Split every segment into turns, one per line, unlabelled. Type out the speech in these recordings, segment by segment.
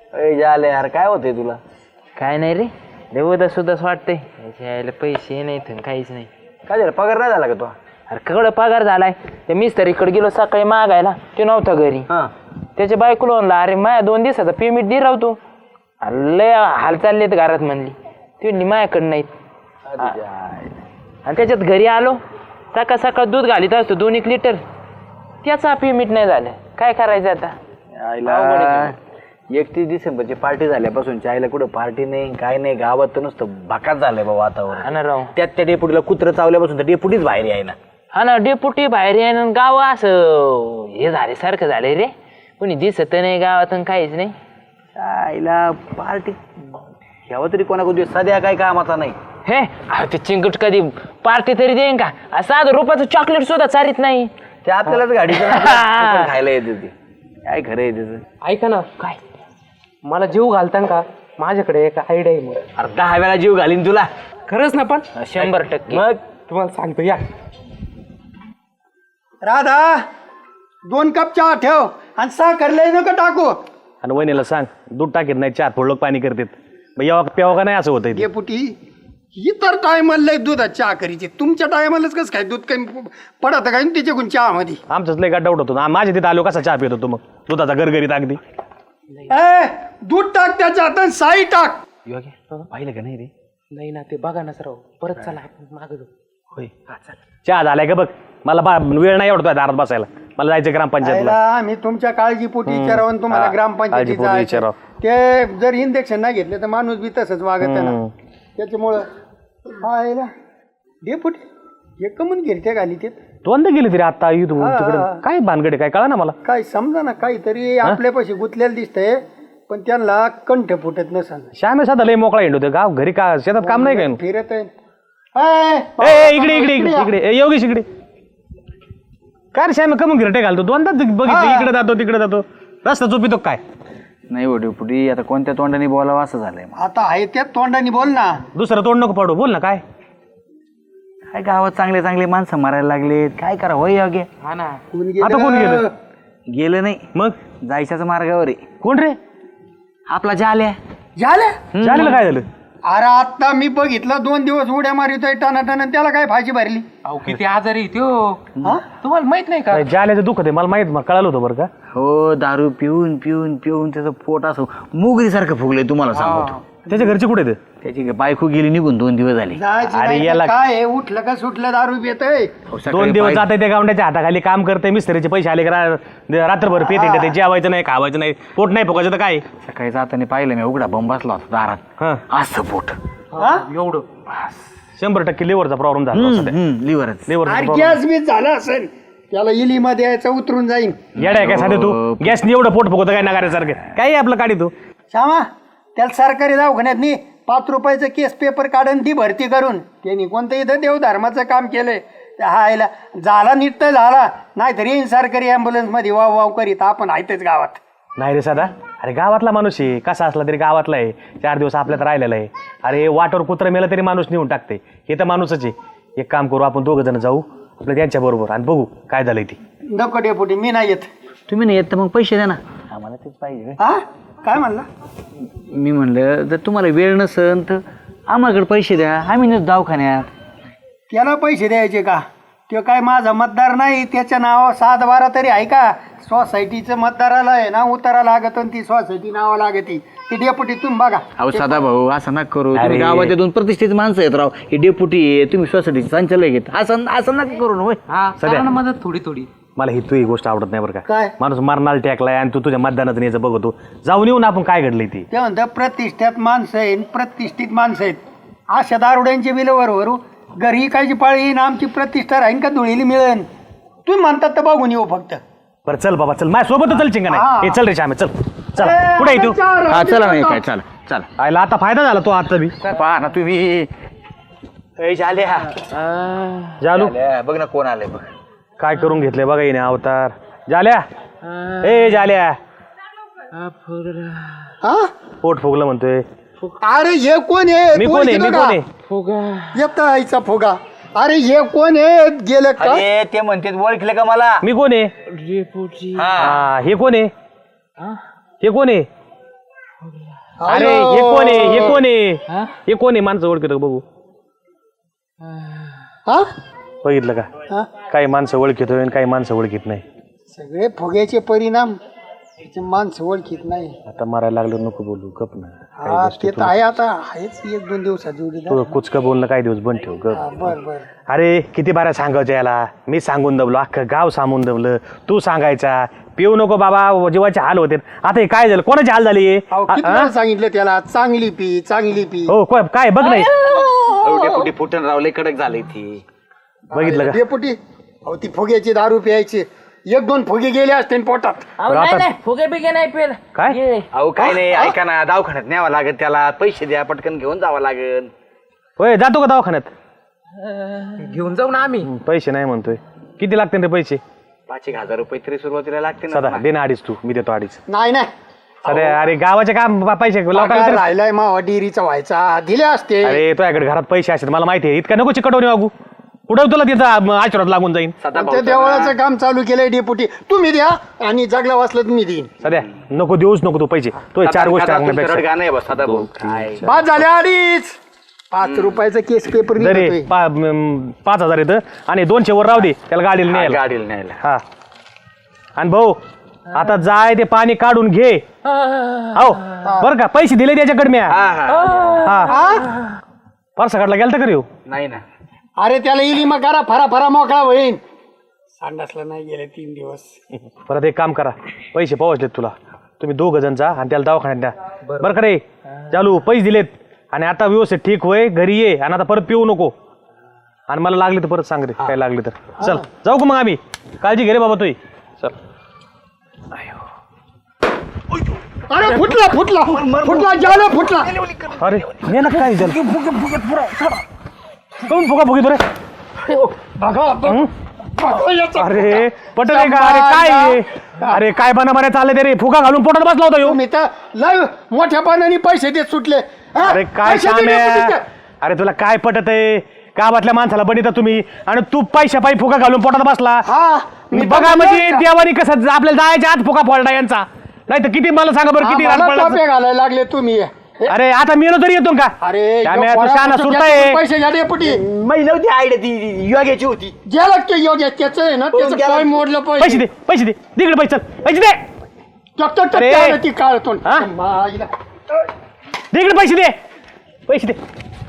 झाले यार, काय होते तुला?
काय नाही रे, देवदा सुद्धा वाटतंय यायला पैसे नाही तर काहीच नाही.
काय झालं, पगार नाही झाला का तो?
अरे कडं पगार झालाय. ते मिस्त्रीकडे गेलो सकाळी मागायला, ते नव्हता घरी. त्याच्या बायकोला म्हणला, अरे माझ्या 2 दिवसाचा पेमेंट दे राहतो. लय हाल चाललेत घरात म्हणली. ती म्हणली माझ्याकडे नाहीत. आणि त्याच्यात घरी आलो, सकाळ सकाळ दूध घालीत असतो 2-1 लिटर, त्याचा पेमेंट नाही झालं. काय करायचं आता?
31 डिसेंबरची पार्टी झाल्यापासून आईला कुठं पार्टी नाही, काय नाही. गावात तर नुसतं भाकात झालंय बा वातावरण.
हा ना राव.
त्यात त्या डेपुटीला कुत्र चावल्यापासून तर डेपुटीच बाहेर यायला.
हा ना, डेपुटी बाहेर येणं, गाव असं हे झाले सारखं झालंय रे. कोणी दिसत नाही गावातून, काहीच नाही.
आईला पार्टी घ्यावं तरी कोणाकडे सध्या काय कामाचा नाही.
हे ते चिंकट कधी पार्टी तरी देईन का? असं ₹1 चॉकलेट सुद्धा चारित नाही.
ते आपल्यालाच गाडीचं खायला येते ते. काय खरं आहे त्याचं?
ऐका ना,
काय
मला जीव घालता का? माझ्याकडे एक आयडिया आहे. मग
अरे 10 वेळा जीव घालीन तुला.
खरंच ना? पण
100%.
मग
तुम्हाला सांगतो, या.
राधा 2 कप चहा ठेव आणि साखर लय नको टाकू.
आणि वहिनीला सांग दूध टाकीत नाही, चहा थोडं पाणी करतात. मग प्यावं का नाही असं होतंय ते.
डेपुटी इतर टायमाला दुधात चहा करीचे, तुमच्या टायमालाच कसं काय दूध कमी पडत काय त्याच्याकडून चहा मध्ये?
आमचंच लय डाऊट होतो. माझ्या तिथे आलो कसा चहा पित होतो मग, दुधाचा गरगरीत अगदी.
दूध टाक त्याच्यात आणि साई टाक.
पाहिलं का नाही रे?
नाही ना, ते बघा ना सर. परत चला आपण मागे जाऊ.
होय, चहा झालाय का बघ. मला वेळ नाही आवडतोय दारात बसायला. मला जायचं ग्रामपंचायतला.
आम्ही तुमच्या काळजीपोटी विचारावं आणि तुम्हाला ग्रामपंचायतीत जायचं. ते जर इंजेक्शन नाही घेतलं तर माणूस बी तसंच वागत ना. त्याच्यामुळं डेपुटी हे कमून घेते घाली ते
दोनदा गेली तरी आता तिकडे. काय भानगडे काय कळा ना मला.
काय समजा ना, काहीतरी आपल्यापाशी गुंतलेलं दिसतंय, पण त्यांना कंठ फुटत नसा.
श्यामे साधा लय मोकळा हिंडतोय गाव घरी. का शेतात काम नाही काय?
फिरत आहे.
इकडे इकडे इकडे इकडे योगेश इकडे. काय रे श्यामे कमून गिरटे घालतो? दोनदा बघितलं, इकडे जातो तिकडे जातो. रस्ता चुपितो काय?
नाही हो डेपुटी, आता कोणत्या तोंडाने बोलावं असं झालंय.
आता आहे त्यात तोंडाने बोल ना.
दुसरं तोंड नको पाडू, बोल ना. काय
काय गावात चांगले चांगले माणसं मारायला लागलेत, काय करा होय योग्य.
हा ना.
आता कोण गेलं?
गेलं नाही,
मग
जायच्याच मार्गावर आहे.
कोण रे?
आपला जाल्या.
झालं
झालेलं काय झालं?
अरे आता मी बघितलं 2 दिवस उड्या मारितोय टाना त्याला काय फाशी भरली.
अहो किती आजारी त्यो. तुम्हाला माहित नाही का?
जाल्याचं दुखत आहे मला माहित, कळालं होतं बरं का.
हो, दारू पिऊन पिऊन पिऊन त्याचं पोट असं मुगरीसारखं फुगलंय तुम्हाला सांगतो.
त्याच्या घरचे कुठे आहेत?
त्याची बायको गेली निघून 2 दिवस झाले.
अरे याला काय आहे, उठलं का सुटलं दारू पितय.
2 दिवस जात त्या गावड्याच्या हाताखाली काम करते. मिस्त्रीचे पैसे आले का रात्रभर पेते. ते जेवायचं नाही, खावायचं नाही, पोट नाही फुगायचं तर काय.
सकाळी जाताना पाहिलं मी, उघडा बंब बसला होता दारात. असं पोट
एवढं
100% लिव्हरचा प्रॉब्लेम झाला.
लिव्हरच.
अरे गॅस बीस झाला असेल, त्याला इली मध्ये यायचं उतरून जाईन.
येडाय काय साधे तू? गॅसनी एवढं पोट फुगवतं काय नगाऱ्यासारखं? काय आपलं काढी तू?
श्यामा त्याला सरकारी दवाखान्यात नी 5 रुपयाचं केस पेपर काढून ती भरती करून त्यांनी कोणतं इथं देवधर्माचं काम केलंय. हायला झाला नीट तर झाला, नाहीतर येईन सरकारी ॲम्ब्युलन्स मध्ये वाव वाव करीत. आपण आहेतच गावात.
नाही रे साधा, अरे गावातला माणूस आहे, कसा असला तरी गावातला आहे. 4 दिवस आपल्यात राहिलेला आहे. अरे वाटावर कुत्र मेलं तरी माणूस नेऊन टाकते. हे तर माणूसच आहे. एक काम करू, आपण 2 जण जाऊ आपल्या त्यांच्या बरोबर आणि बघू काय झालंय ती.
नको डेपुटी, मी नाही येत.
तुम्ही नाही येत तर मग पैसे द्या ना. आम्हाला तेच पाहिजे.
हा काय म्हणला?
मी म्हणलं जर तुम्हाला वेळ नसेल तर आम्हाकडे पैसे द्या, आम्ही नेतो दवाखान्यात.
त्याला पैसे द्यायचे का? तो काय माझा मतदार नाही, त्याच्या नाव 7-12 तरी आहे का? सोसायटीचं मतदाराला आहे ना उतारा लागत आणि ती सोसायटी नावा लागती. ती डेपुटी तुम्ही बघा.
अहो सदा भाऊ असं नका करू. तुम्ही गावाच्या 2 प्रतिष्ठित माणसं आहेत राव. हे डेपुटी आहे, तुम्ही सोसायटीचे संचालक आहेत. असं नका करू. होय
हा, करा ना मदत थोडी थोडी.
मला ही तुझी गोष्ट आवडत नाही बरं का.
काय?
माणूस मरणाला टेकलाय आणि तू तुझ्या मतदानाचं यायचं बघतो. जाऊन येऊन आपण काय घडलंय ती.
ते म्हणतात प्रतिष्ठित माणसं आहेत, प्रतिष्ठित माणसं आहेत. अशा दारुड्यांची बिलं वरू घरी कायची पाळी येईन, आमची प्रतिष्ठा राहीन का धुळीली मिळेल? तुम्ही म्हणतात तर बघून येऊ फक्त.
बरं चल बाबा चल, माझ्या सोबत चल चिंगा नाही. हे चल रे श्यामे चल चल. कुठे आहे तू?
हा चला नाही काय चला चला.
आयला आता फायदा झाला तो आता बी.
पहा ना तुम्ही.
जालू
बघ ना कोण आलंय बघ.
काय करून घेतलंय बघा येणे अवतार. जाल्या ए जाल्या, पोट फुगलं म्हणतोय.
अरे हे कोण आहे?
मी कोण आहे? मी कोण आहे?
येता आईचा फुगा. अरे हे कोण आहे? गेलं का?
ते म्हणते ओळखलं का मला?
मी कोण आहे? हे कोण आहे? हे कोण आहे? अरे हे कोण आहे हे कोण आहे हे कोण आहे माणसं ओळखत बघू
हा
बघितलं का
हा?
काही माणसं ओळखीत काही माणसं ओळखीत नाही
सगळे फुग्याचे परिणाम त्याचे माणसं ओळखीत नाही.
आता मारायला लागलं नको बोलू गप ना
हा ते तर आहे आता आहेच 1-2 दिवसात जोडीदार.
तू कुचकं बोलणं काही दिवस बंद ठेव गप
हा, बर बर.
अरे किती बारा सांगायचं याला मी सांगून दबलो अख्खं गाव सांगून दबलं तू सांगायचा पिऊ नको बाबा जीवाचे हाल होते आता हे काय झालं कोणाची हाल झाली
अहो, किती वेळा सांगितलं त्याला चांगली पी चांगली पी.
हो काय बघ नाही
डेपुटी फुटन रावले कडक झाले ती.
बघितलं का
डेपुटी अहो ती फुग्याची दारू प्यायची 1-2 फुगे गेले असते न पोटात.
अहो, नाही नाही फुगे बिगे नाही पेल
काय
अहो काय नाही ऐका ना दवाखान्यात न्यावं लागेल त्याला पैसे द्या पटकन घेऊन जावं लागेल.
होय जातो का दवाखान्यात
घेऊन जाऊ ना आम्ही.
पैसे नाही म्हणतोय किती लागते रे पैसे
5,000 रुपये तरी सुरुवातीला लागते
सदा
ना.
दे ना अडीच तू मी देतो अडीच
नाही नाही
सध्या अरे गावाचे काम पैसे
पगार
लोकांना
राहिलाय मावा डेअरीचा व्हायचा दिले असते.
अरे तुझ्याकडे घरात पैसे असतात मला माहिती आहे इतका नको चिकटवणी वागू कुठं तुला तिथं आशीर्वाद लागून जाईन
सदा
त्या देवळाचं काम चालू केलंय डेपुटी तुम्ही द्या आणि जगला वाचलं तर मी देईन.
सध्या नको देऊच नको तू पैसे तो चार गोष्टी सांगण्यापेक्षा
गाणं आहे बा सदा भाऊ काय
बाद झाल्या अडीच 5 रुपयाचा केस पेपर
दरे
निघतोय.
5,000 येतं आणि 200 वर राहू दे त्याला गाडीला न्यायला
गाडीला न्यायला.
हा आणि भाऊ आता जाय ते पाणी काढून घे हो बर का पैसे दिले त्याच्याकडे मी
हा हा
हा परसा गेलता का रे हो?
नाही ना
अरे त्याला इली मग करा फरा फरा मोकळा होईन. संडासला नाही गेले 3 दिवस.
परत एक काम करा पैसे पोहोचलेत तुला तुम्ही 2 जण जा आणि त्याला दवाखान्यात द्या बरं का रे चालू पैसे दिलेत आणि आता व्यवस्थित ठीक होय घरी ये आणि आता परत पिऊ नको आणि मला लागले तर परत सांग रे काय लागले तर चल जाऊ का मग आम्ही काळजी घे रे बाबा तुही चल
अरे फुटला फुटला फुटला जालं फुटला.
अरे मी ना काय झालं कोण फुगा फुगी बरे
बघा बघ. बघा याचा.
अरे पटल आहे का अरे काय आहे? अरे काय बना चालले ते रे फुगा घालून पोटात बसला होता ह्यो.
तुम्ही तर लय मोठ्या पानाने पैसे देत सुटले. हा?
अरे काय
पैसे
काम
दिले
आहे
तुम्ही.
अरे तुला काय पटत आहे गावातल्या माणसाला बनिता तुम्ही आणि तू पैशा पायी फुगा घालून पोटात बसला
हा
मी बघा म्हणजे देवानी कसं आपल्याला जायच्या आत फुगा फोडला यांचा नाही तर किती मला सांगा बरं किती रान
आम्हाला
पडलं.
टोपे घालायला लागले तुम्ही.
अरे आता मेलो तरी येतो का
अरे
श्याम्या,
यो
तू
पोरा
शहाणा
कुठं
सुरता आहे.
पैसे घ्या डेपुटी.
महिला होती आयडिया ती योग्याची होती.
ज्याला ते योग्य त्याचं आहे ना त्याचं
गेला.
काय मोडलं
पैसे दे पैसे दे तिकडे पैसे चल पैसे दे अरे.
पैसे ती काढतून
हा? तिकडे पैसे दे पैसे दे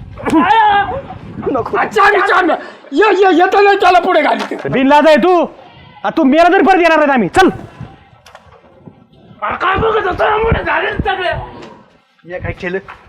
येतं नाही त्याला पुढे घाली.
बिनलाज आहे तू तू मेला तरी परत येणार नाही आम्ही चल
काय बघत होतो झाले सगळे
मी काय केलं